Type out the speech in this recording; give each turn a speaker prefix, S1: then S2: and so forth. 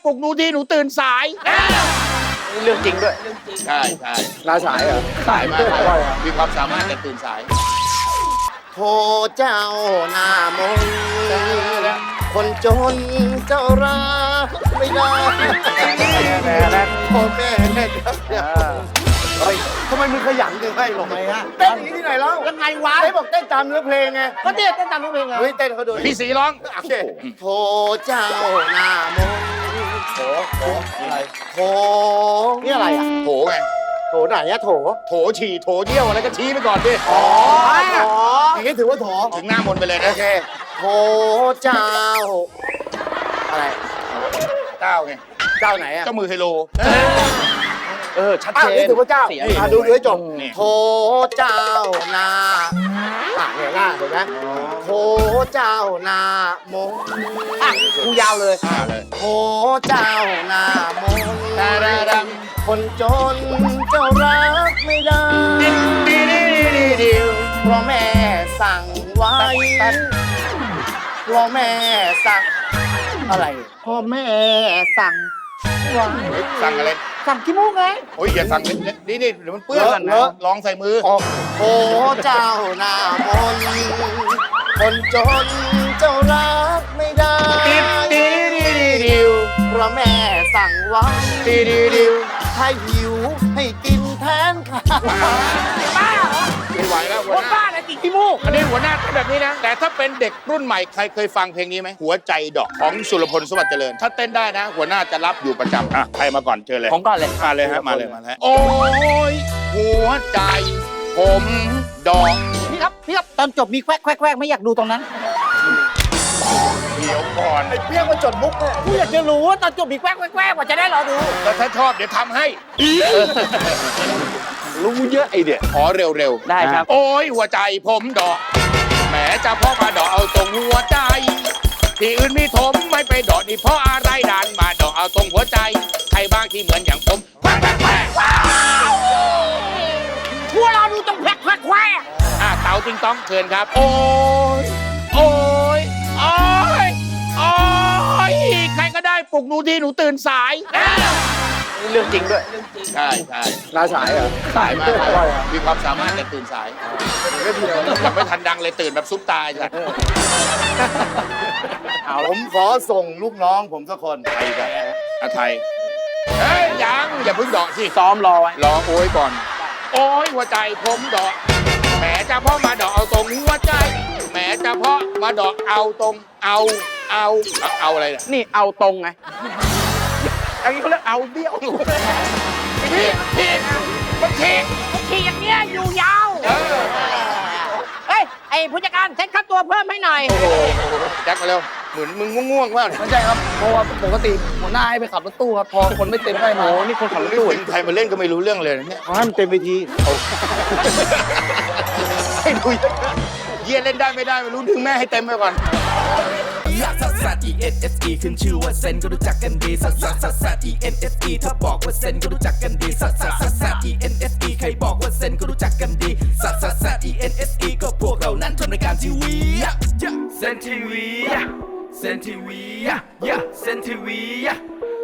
S1: ลุกหนูที่หนูตื่นสาย
S2: เรื่องจริงด้วย
S1: ใช่ใช่
S2: ลาสายเหรอ
S1: สายมากมีความสามารถแต่ตื่นสาย
S3: โทเจ้าหน้ามนคนจนเจ้ารักไม่ได้พ่อแม่เฮ้ยทำไมมึงขยันจังไงหรอไงฮะเต้นอย่างนี้ที่ไหนแล้ว
S2: ยังไงวะ
S3: ไอ้บอกเต้นตามเนื้อเพลงไง
S2: ก็เต้นตามเนื้อเพลงไง
S3: เฮ้ยเต้นเขาดู
S1: พี่สีร้อง
S3: โอเคโทเจ้าหน้ามนอะไรโถนี่อะไรอ่ะ
S1: โถไง
S3: โถไหนอะโถ
S1: โถฉี่โถเยี่ยวอะไรก็ชี้ไปก่อนดิ
S3: อย่างนี้ถือว่าโถ
S1: ถึงหน้ามนไปเลยนะ
S3: โอเคโถเจ้าอะไร
S1: เจ้าไง
S3: เจ้าไหนอะ
S1: เจ้ามือไฮโล
S3: ชัดเจนนี่ถือว่าเจ้าดูให้จบโถเจ้านาเนี่ยหน้าเห็นไหมโถเจ้านามง
S2: กูยาวเลย
S3: โถเจ้านามงคนจนเจ้ารักไม่ได้เพราะแม่สั่งไว้เพราะแม่สั่งอะไรพ่อแม่สั่งไว้
S1: สั่งอะไร
S3: สั่งขี้มูกไง
S1: โอ้ยอย่าสั่งนี่เดี๋ยวมันเปื้อนกันนะลองใส่มือ
S3: โอ้เจ้าหน้ามนคนจนเจ้ารักไม่ได้เพราะแม่สั่งไว้ให้หิวให้กินแทนค่ะ
S2: บ้าเหรอ
S1: ไม่ไหวแล้วหัวหน้า
S2: บ้าอะไรติดขี้มูก
S1: อันนี้หัวหน้าเป็นแบบนี้นะแต่ถ้าเป็นเด็กรุ่นใหม่ใครเคยฟังเพลงนี้ไหมหัวใจดอกของสุรพลสวัสดิ์เจริญถ้าเต้นได้นะหัวหน้าจะรับอยู่ประจำใครมาก่อนเชิญเลย
S2: ผมก่อนเลย
S1: มาเลยฮะมาเลยโอ้ยหัวใจผมดอก
S2: พี่ครับตอนจบมีแควกไม่อยากดูตรงนั้น
S1: เดี๋ยวก่อน
S3: ไอ้เปี้ยงมาจดมุกเนี่ย
S2: กูอยากจะรู้ว่าตอนจบมีแควกว่าจะได้รอดู
S1: แล้วถ้าชอบเดี๋ยวทำให้
S3: รู้เยอะไอเดีย
S1: ขอเร็ว
S2: ๆได้ครับ
S1: โอ้ยหัวใจผมดอกแหมจะพ่อมาดอกเอาตรงหัวใจที่อื่นมีถมไม่ไปดอกนี่เพราะอะไรดันมาดอกเอาตรงหัวใจใครบ้างที่เหมือนอย่างผมแคว
S2: พวกเราดูตรงแควก
S1: เต่าติงต้องเชิญครับโอ้ยใครก็ได้ปลุกหนูที่หนูตื่นสาย
S2: เรื่องจริงด้วย
S1: ใช่
S3: ลาสายเหรอ
S1: สายมากมีความสามารถแต่ตื่นสายยังไม่ทันดังเลยตื่นแบบซุปตายจ้ะ
S3: ผมขอส่งลูกน้องผมสักคน
S1: ใครกันไทยเฮ้ยยังอย่าเพิ่งดอกสิ
S2: ซ้อมรอไว้
S1: รอโอ้ยก่อนโอ้ยหัวใจผมดอกแหมจะพ่อมาดอกเอาตรงหัวใจแหมจะพ่อมาดอกเอาตรงเอาอะไร
S2: นี่เอาตรงไงอันนี้เขาเรียกเอาเบี้ยว
S1: พี่มัน
S2: ขี่อย่างเงี้ยอยู่ยาวเฮ้ยไอ้ผู้จัดการเซ็ตค่าตัวเพิ่มให้หน่อย
S1: โอ้โหแจ็คมาเร็วเหมือนมึงง่วงๆว่า
S4: ไม่ใช่ครับเพราะว่าปกติหัวหน้าให้ไปขับรถตู้ครับพอคนไม่เต็มได้มา
S1: โอ้นี่คนขับรถตู้ใครมาเล่นก็ไม่รู้เรื่องเลยเนี่ย
S3: ให้มันเต็มเวที
S1: ให้ดูเยี่ยเล่นได้ไม่ได้ไม่รู้ดึงแม่ให้เต็มไปก่อน
S5: ลักซัสซัส ENSE ขึ้นชื่อว่าเซนก็รู้จักกันดีซัสซัสซัสซัส ENSE ถ้าบอกว่าเซนก็รู้จักกันดีซัสซัสซัสซัส ENSE ใครบอกว่าเซนก็รู้จักกันดีซัสซัสซัส ENSE ก็พวกเรานั้นทำรายการทีวีเซนทีวีเซนทีวีเซนทีวี